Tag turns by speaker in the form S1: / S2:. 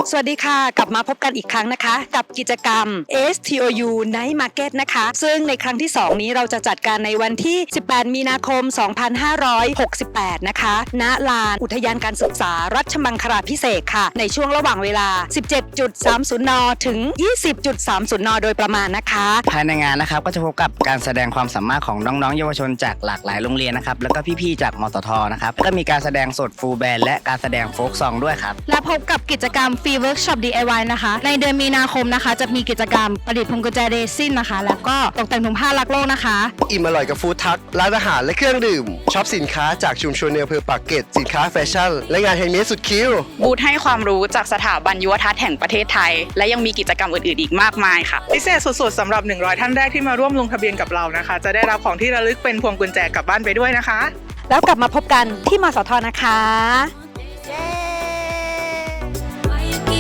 S1: สวัสดีค่ะกลับมาพบกันอีกครั้งนะคะกับกิจกรรม STOU Night Market นะคะซึ่งในครั้งที่ 2 นี้เราจะจัดการในวันที่ 18 มีนาคม 2568 นะคะณลานอุทยานการศึกษารัชมังคลาภิเษกค่ะในช่วงระหว่างเวลา 17.30 น. ถึง 20.30 น. โดยประมาณนะคะ
S2: ภายในงานนะครับก็จะพบกับการแสดงความสามารถของน้องๆเยาวชนจากหลากหลายโรงเรียนนะครับแล้วก็พี่ๆจากมตทนะครับแล้วก็มีการแสดงสดฟูลแบนด์และการแสดงโฟล์คซองด้วยครับ
S3: และพบกับกิจกรรมฟรีเวิร์กช็อป DIY นะคะในเดือนมีนาคมนะคะจะมีกิจกรรมประดิษฐ์พวงกุญแจเรซินนะคะแล้วก็ตกแต่งถุงผ้ารักโลกนะคะ
S4: อิ่มอร่อยกับฟู้ดทัคร้านอาหารและเครื่องดื่มช็อปสินค้าจากชุมชนในอำเภอปากเกร็ดสินค้าแฟชั่นและงานแฮนด์เมดสุดคิ้ว
S5: บูธให้ความรู้จากสถาบันยุวทัศน์แห่งประเทศไทย และยังมีกิจกรรมอื่นๆอีกมากมายค่ะ
S6: พิเศษสุดๆสำหรับ 100 ท่านแรกที่มาร่วมลงทะเบียนกับเรานะคะ จะได้รับของที่ระลึกเป็นพวงกุญแจกลับบ้านไปด้วยนะคะ
S1: แล้วกลับมาพบกันที่มสทนะคะ